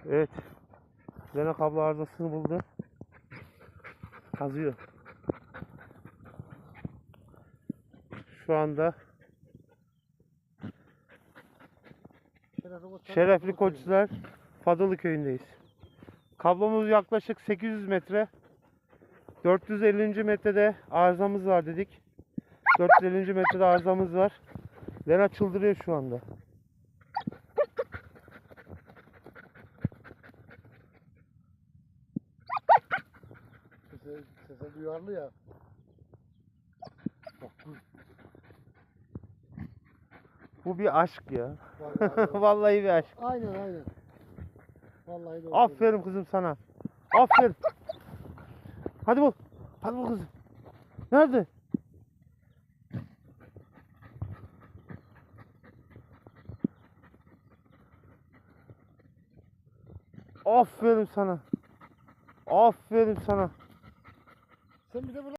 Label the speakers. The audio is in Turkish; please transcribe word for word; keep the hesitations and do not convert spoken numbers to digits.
Speaker 1: Evet. Lena kablo arızasını buldu. Kazıyor. Şu anda Şerefli Koçlar Fadalı köyündeyiz. Kablomuz yaklaşık sekiz yüz metre. dört yüz ellinci metrede arızamız var dedik. dört yüz ellinci metrede arızamız var. Lena çıldırıyor şu anda.
Speaker 2: Sese, sese duyarlı ya. Bak bu.
Speaker 1: Bu bir aşk ya.
Speaker 2: Vallahi,
Speaker 1: Vallahi bir aşk.
Speaker 2: aynen aynen. Vallahi doğru.
Speaker 1: Aferin kızım sana. Aferin. Hadi bul. Hadi bul kızım. Nerede? Aferin sana. Aferin sana.
Speaker 2: Sen bir de bunu